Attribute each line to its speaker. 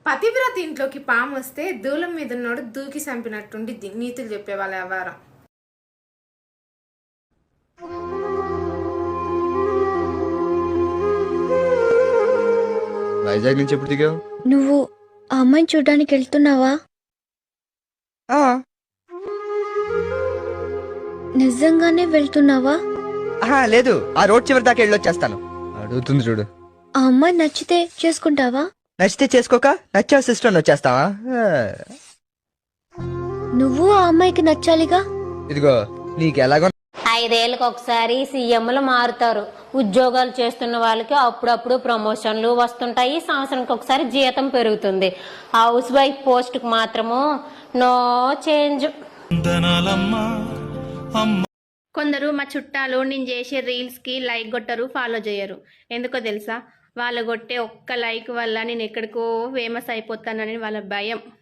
Speaker 1: పతివ్రత ఇంట్లోకి పాము వస్తే దూలం మీద ఉన్నోడు దూకి చంపినట్టుండి నీతులు చెప్పేవాళ్ళ వ్యవహారం.
Speaker 2: వైజాగ్ నుంచి ఎప్పుడు దిగావు?
Speaker 3: నువ్వు ఆ అమ్మాయిని చూడ్డానికి వెళ్తున్నావా? నిజంగానే వెళ్తున్నావా?
Speaker 4: లేదు, ఆ రోడ్ చివరి దాకా వెళ్ళొచ్చేస్తాను.
Speaker 2: అడుగుతుంది చూడు.
Speaker 3: ఆ అమ్మాయి నచ్చితే చేసుకుంటావా?
Speaker 4: నచ్చితే చేసుకోక, నచ్చా సిస్టర్ వచ్చేస్తావా?
Speaker 3: నువ్వు ఆ అమ్మాయికి నచ్చాలిగా.
Speaker 4: ఇదిగో నీకు ఎలాగో
Speaker 5: 5 ఏళ్ళకి ఒకసారి సీఎంలు మారుతారు. ఉద్యోగాలు చేస్తున్న వాళ్ళకి అప్పుడప్పుడు ప్రమోషన్లు వస్తుంటాయి. సంవత్సరానికి ఒకసారి జీతం పెరుగుతుంది. హౌస్ వైఫ్ పోస్ట్ కు మాత్రము నో చేంజ్.
Speaker 6: కొందరు మా చుట్టాలు నేను చేసే రీల్స్కి లైక్ కొట్టరు, ఫాలో చేయరు. ఎందుకో తెలుసా? వాళ్ళు కొట్టే ఒక్క లైక్ వల్ల నేను ఎక్కడికో ఫేమస్ అయిపోతానని వాళ్ళ భయం.